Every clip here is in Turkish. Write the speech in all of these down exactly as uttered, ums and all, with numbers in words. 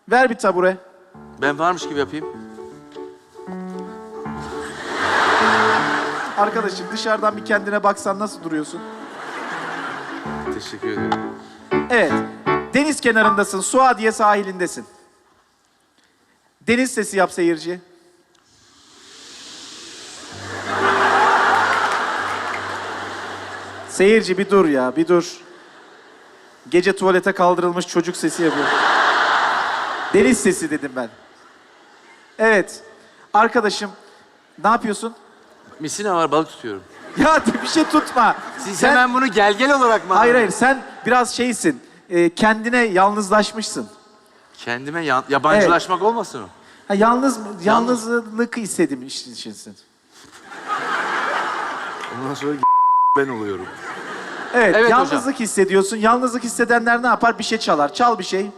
Ver bir tabure. Ben varmış gibi yapayım. Arkadaşım dışarıdan bir kendine baksan nasıl duruyorsun? Teşekkür ederim. Evet. Deniz kenarındasın. Suadiye sahilindesin. Deniz sesi yap seyirci. Seyirci bir dur ya, bir dur. Gece tuvalete kaldırılmış çocuk sesi yapıyor. Deniz sesi dedim ben. Evet. Arkadaşım, ne yapıyorsun? Misina var, balık tutuyorum. Ya bir şey tutma. Siz Sen- hemen bunu gel gel olarak mı? Hayır hayır, sen biraz şeysin. e, kendine yalnızlaşmışsın. Kendime yan- yabancılaşmak olmasın o? Ha, yalnız yalnızlık hissedim işinsin. Ondan sonra ben oluyorum. Evet, Evet yalnızlık hocam. hissediyorsun. Yalnızlık hissedenler ne yapar? Bir şey çalar. Çal bir şey.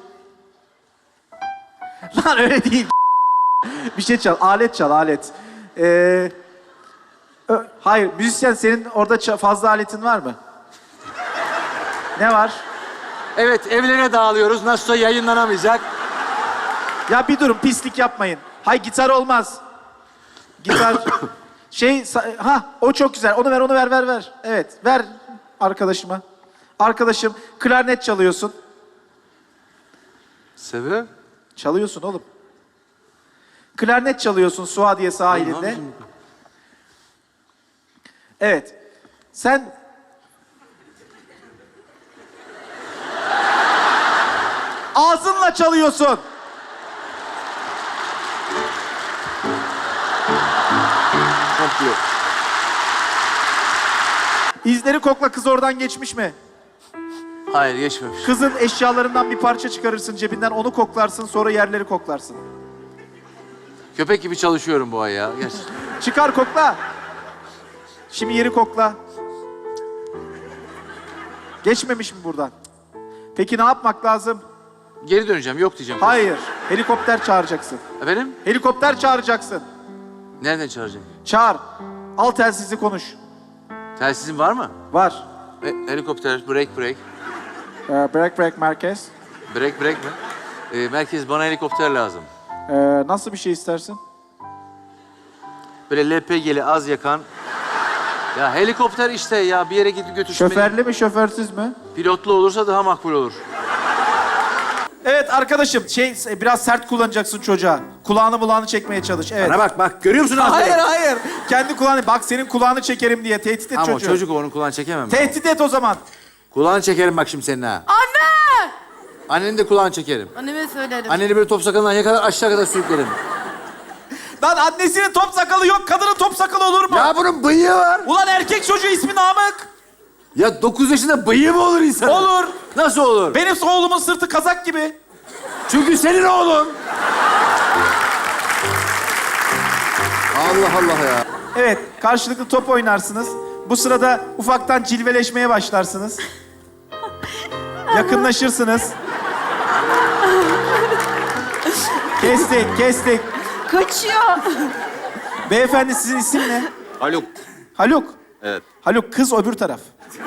Lan öyle değil. Bir şey çal. Alet çal, alet. Ee, ö- hayır, müzisyen senin orada ça- fazla aletin var mı? Ne var? Evet, evlere dağılıyoruz. Nasılsa yayınlanamayacak. Ya bir durun, pislik yapmayın. Hay gitar olmaz. Gitar şey sa- ha o çok güzel. Onu ver, onu ver, ver, ver. Evet, ver arkadaşıma. Arkadaşım, klarnet çalıyorsun. Sebep? Çalıyorsun oğlum. Klarnet çalıyorsun Suadiye sahilinde. Evet. Sen ağzınla çalıyorsun. Komple. İzleri kokla, kız oradan geçmiş mi? Hayır, geçmemiş. Kızın eşyalarından bir parça çıkarırsın cebinden, onu koklarsın, sonra yerleri koklarsın. Köpek gibi çalışıyorum bu ay ya. Gerçekten. Çıkar kokla. Şimdi yeri kokla. Geçmemiş mi buradan? Peki ne yapmak lazım? Geri döneceğim, yok diyeceğim. Hayır. Helikopter çağıracaksın. Efendim? Helikopter çağıracaksın. Nereden çağıracağım? Çağır. Al telsizi konuş. Telsizin var mı? Var. E, helikopter, break break. Ee, break break merkez. Break break mi? E, merkez, bana helikopter lazım. Ee, nasıl bir şey istersin? Böyle L P G'li az yakan. Ya helikopter işte ya, bir yere gidip götürsün beni. Şoförlü mü şoförsüz mü? Pilotlu olursa daha makbul olur. Evet arkadaşım, şey biraz sert kullanacaksın çocuğa. Kulağını mulağını çekmeye çalış. Evet. Bana bak bak, görüyor musun? Hayır hayır. Kendi kulağını, bak senin kulağını çekerim diye tehdit et Ama o çocuğu. çocuk onun kulağını çekemem. Tehdit et o zaman. Kulağını çekerim bak şimdi senin ha. Anne! Annenin de kulağını çekerim. Anneme söylerim. Anneni böyle top sakalından yakalar aşağı kadar sürüklerim. Lan annesinin top sakalı yok, kadının top sakalı olur mu? Ya bunun bıyığı var. Ulan erkek çocuğu ismi Namık. Ya dokuz yaşında bıyığı mı olur insan? Olur. Nasıl olur? Benim oğlumun sırtı kazak gibi. Çünkü senin oğlun. Allah Allah ya. Evet, karşılıklı top oynarsınız. Bu sırada ufaktan cilveleşmeye başlarsınız. Yakınlaşırsınız. Kestik, kestik. Kaçıyor. Beyefendi sizin isim ne? Haluk. Haluk. Evet. Haluk, kız öbür taraf.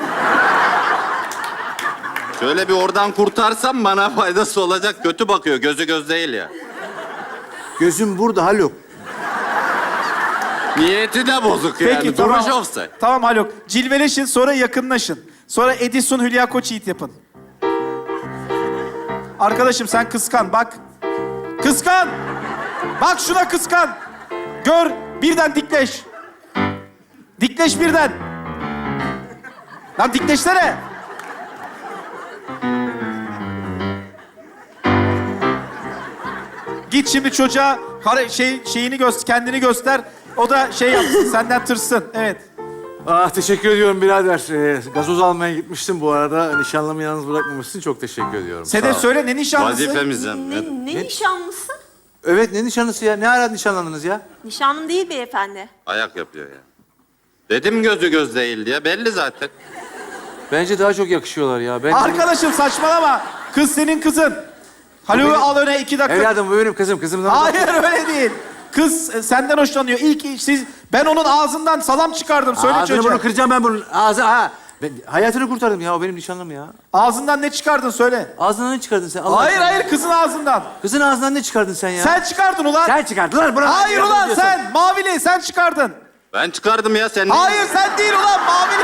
Şöyle bir oradan kurtarsam bana faydası olacak. Kötü bakıyor. Gözü göz değil ya. Gözüm burada Haluk. Niyeti de bozuk Peki yani. tamam. Duruş offside. Tamam Haluk. Cilveleşin, sonra yakınlaşın. Sonra Edison Hülya Koçyiğit yapın. Arkadaşım sen kıskan bak. Kıskan. Bak şuna kıskan. Gör, birden dikleş. Dikleş birden. Lan dikleşsene. Git şimdi çocuğa hare- şey şeyini göster, kendini göster. O da şey yapsın, senden tırsın. Evet. Ah, teşekkür ediyorum birader. Ee, gazoz almaya gitmiştim bu arada. Nişanlımı yalnız bırakmamışsın. Çok teşekkür ediyorum. Sedef Sağ ol. söyle, ne nişanlısı? Vazifemizden. Ne, Evet. ne nişanlısı? Evet, ne nişanlısı ya? Ne ara nişanlandınız ya? Nişanlım değil beyefendi. Ayak yapıyor ya. Dedim gözü göz değil diye. Belli zaten. Bence daha çok yakışıyorlar ya. Ben Arkadaşım saçmalama. Kız senin kızın. Haluk'u al öne iki dakika. Evladım bu benim kızım. Kızımdan... Hayır öyle değil. Kız e, senden hoşlanıyor. İlk siz ben onun ağzından salam çıkardım. Söyle Ağzını çocuğa. bunu kıracağım ben bunun. Ağzı ha. Ben hayatını kurtardım ya. O benim nişanlım ya. Ağzından ne çıkardın söyle. Ağzından ne çıkardın sen? Allah Hayır aşkına. hayır kızın ağzından. Kızın ağzından ne çıkardın sen ya? Sen çıkardın ulan. Sen çıkardın lan. Bırak. Hayır Ya, ulan diyorsun. sen. Mavili sen çıkardın. Ben çıkardım ya sen. Hayır sen değil ulan mavili.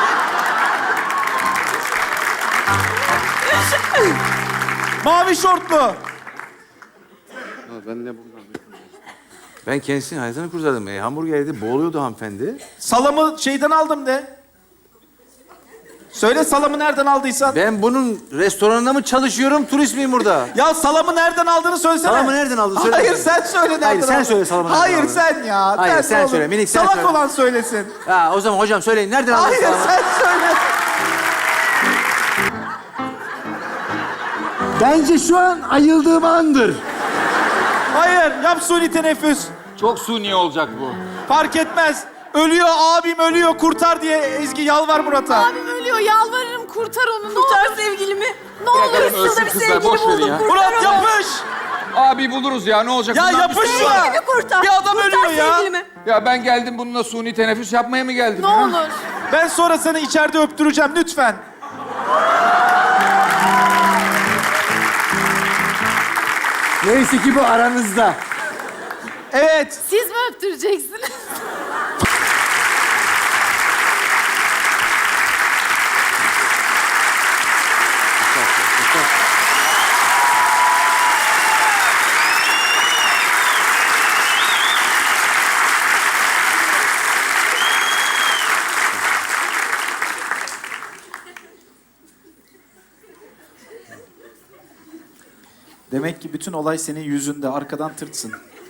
Mavi şortlu. Ha, ben ne bundan? Ben kendisinin hayatını kurtardım. E, hamburger yedi, boğuluyordu hanımefendi. Salamı şeyden aldım de. Söyle salamı nereden aldıysan. Ben bunun restoranında mı çalışıyorum, turist miyim burada? Ya salamı nereden aldığını söylesene. Salamı nereden aldın? Söyle. Hayır sen söyle nereden Hayır, sen aldın. söyle salamı nereden Hayır aldın. sen ya. Hayır, sen oğlum. söyle, minik sen Salak söyle. olan söylesin. Ha, o zaman hocam söyleyin. Nereden aldın Hayır salamı? sen söyle. Bence şu an ayıldığım andır. Hayır yap suni teneffüs. Çok suni olacak bu. Fark etmez. Ölüyor abim ölüyor kurtar diye Ezgi yalvar Murat'a. Abim ölüyor yalvarırım kurtar onu. Kurtar sevgilimi. Ne olur Bırakalım ıssız ölsün bir kızlar, sevgili boş verin buldum. ya. Kurtar Murat onu. yapış. Abi buluruz ya ne olacak? Ya Bundan yapış bir- şuna. Sevgilimi kurtar. Bir adam kurtar ölüyor ya. sevgilimi. Ya ben geldim bununla suni teneffüs yapmaya mı geldim Ne ya? olur. Ben sonra seni içeride öptüreceğim lütfen. Neyse ki bu aranızda. Evet. Siz mi öptüreceksiniz? Demek ki bütün olay senin yüzünde. Arkadan tırtsın.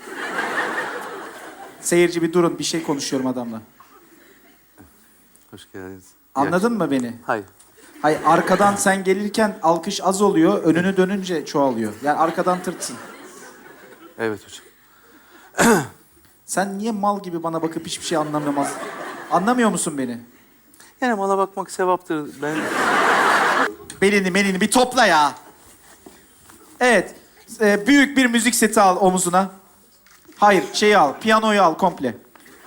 Seyirci bir durun. Bir şey konuşuyorum adamla. Hoş geldiniz. Anladın mı beni? Hayır. Hayır arkadan sen gelirken alkış az oluyor. Önünü dönünce çoğalıyor. Yani arkadan tırtsın. Evet hocam. Sen niye mal gibi bana bakıp hiçbir şey anlamamaz? Anlamıyor musun beni? Yani mala bakmak sevaptır. Ben... Belini melini bir topla ya. Evet. e, büyük bir müzik seti al omuzuna. Hayır şeyi al. Piyanoyu al komple.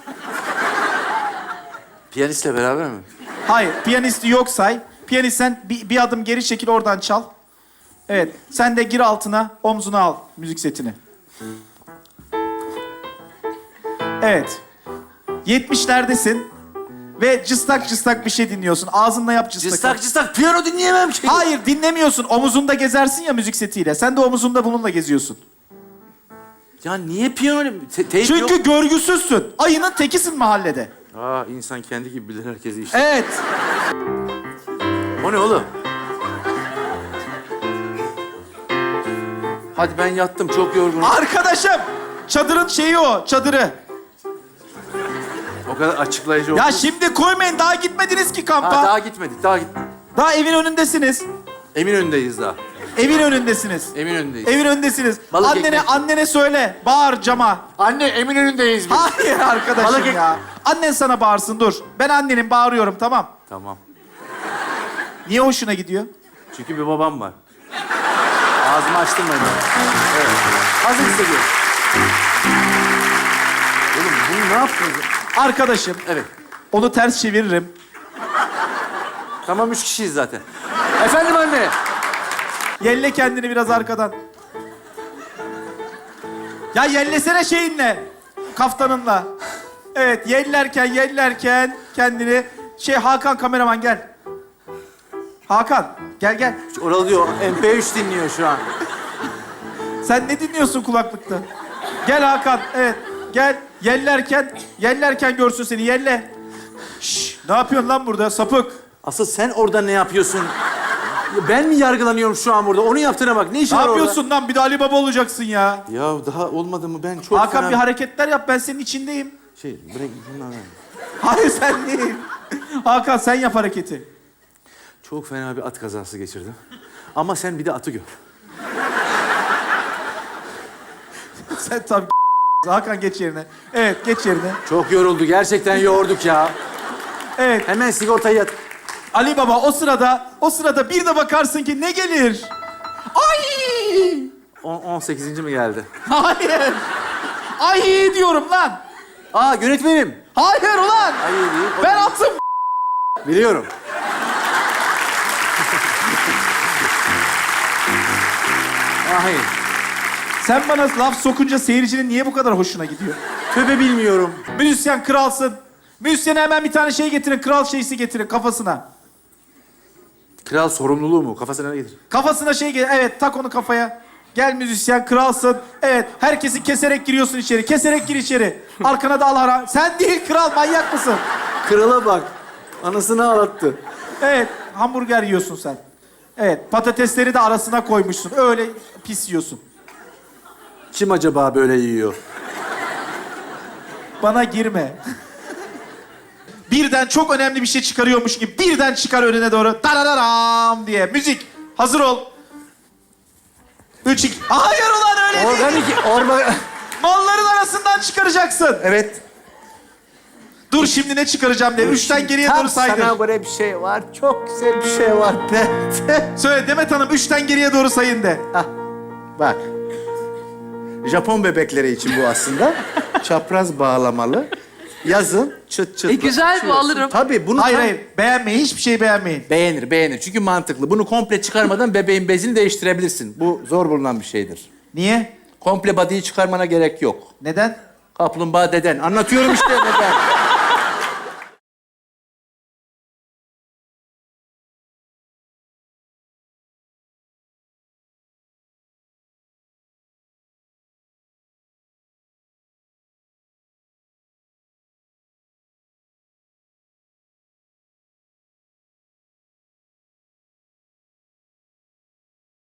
Piyanistle beraber mi? Hayır piyanisti yok say. Piyanist sen bir, bir adım geri çekil oradan çal. Evet. Sen de gir altına omzuna al müzik setini. Evet. yetmişlerdesin. Ve cıstak cıstak bir şey dinliyorsun. Ağzınla yap cıstak. Cıstak cıstak piyano dinleyemem ki. Hayır dinlemiyorsun. Omuzunda gezersin ya müzik setiyle. Sen de omuzunda bununla geziyorsun. Ya niye piyano? Te teyp Çünkü yok. görgüsüzsün. Ayının tekisin mahallede. Aa insan kendi gibi bilir herkesi işte. Evet. O ne oğlum? Hadi ben yattım çok yorgunum. Arkadaşım. Çadırın şeyi o. Çadırı. O kadar açıklayıcı oldu. Ya şimdi koymayın. Daha gitmediniz ki kampa. Ha, daha... daha gitmedik daha gitmedik. evin önündesiniz. Eminönü'ndeyiz daha. Evin önündesiniz. Eminönü'ndeyiz. Evin önündesiniz. Balık annene ekmek. annene söyle. Bağır cama. Anne Eminönü'ndeyiz biz. Hayır arkadaşım Balık ek- ya. Annen sana bağırsın dur. Ben annenin bağırıyorum tamam. Tamam. Niye hoşuna gidiyor? Çünkü bir babam var. Ağzımı açtım ben de. Evet. Hazır hissediyorum. Oğlum bunu ne yaptınız? Arkadaşım Evet. onu ters çeviririm. Tamam üç kişiyiz zaten. Efendim anne. Yelle kendini biraz arkadan. Ya yellesene şeyinle. Kaftanınla. Evet yellerken yellerken kendini... Şey Hakan kameraman gel. Hakan gel gel. Oralı diyor. M P üç dinliyor şu an. Sen ne dinliyorsun kulaklıkta? Gel Hakan evet gel. Yellerken yellerken görsün seni yelle. Şş, ne yapıyorsun lan burada sapık? Asıl sen orada ne yapıyorsun? Ya ben mi yargılanıyorum şu an burada? Onu yaptığına bak. Ne işin Ne var orada? yapıyorsun lan? Bir de Ali Baba olacaksın ya. Ya daha olmadı mı? Ben çok Hakan fena... bir hareketler yap ben senin içindeyim. Şey, bırak bundan ver. Hayır sen değil. Hakan sen yap hareketi. Çok fena bir at kazası geçirdim. Ama sen bir de atı gör. Sen tabii Hakan geç yerine. Evet geç yerine. Çok yoruldu. Gerçekten yoğurduk ya. Evet Hemen sigortayı yat. Ali Baba o sırada o sırada bir de bakarsın ki ne gelir? Ay! On, on sekizinci mi geldi? Hayır. Ay diyorum lan. Aa yönetmenim. Hayır ulan. Ay değil. Ben atım. Biliyorum. Hayır. Sen bana laf sokunca seyircinin niye bu kadar hoşuna gidiyor? Tövbe bilmiyorum. Müzisyen kralsın. Müzisyene hemen bir tane şey getirin. Kral şeysi getirin kafasına. Kral sorumluluğu mu? Kafasına ne getir? Kafasına şey gel. Evet, tak onu kafaya. Gel müzisyen, kralsın. Evet, herkesi keserek giriyorsun içeri. Keserek gir içeri. Arkana da al hara. Sen değil kral, manyak mısın? Krala bak. Anasını ağlattı. Evet, hamburger yiyorsun sen. Evet, patatesleri de arasına koymuşsun. Öyle pis yiyorsun. Kim acaba böyle yiyor? Bana girme. Birden çok önemli bir şey çıkarıyormuş gibi birden çıkar önüne doğru. Tarararam diye. Müzik. Hazır ol. Üç, iki... Hayır ulan öyle değil. Organik, orma... Malların arasından çıkaracaksın. Evet. Dur şimdi ne çıkaracağım diye. Üçten geriye Tam doğru saydır. sana göre bir şey var. Çok güzel bir şey var. Söyle Demet Hanım üçten geriye doğru sayın de. Bak. Japon bebekleri için bu aslında. Çapraz bağlamalı. Yazın çıt çıt. E, güzel bu, alırım. Tabii bunu Hayır tam- hayır beğenmeyin hiçbir şey beğenmeyin. Beğenir, beğenir. Çünkü mantıklı. Bunu komple çıkarmadan bebeğin bezini değiştirebilirsin. Bu zor bulunan bir şeydir. Niye? Komple body'yi çıkarmana gerek yok. Neden? Kaplumbağa deden. Anlatıyorum işte neden.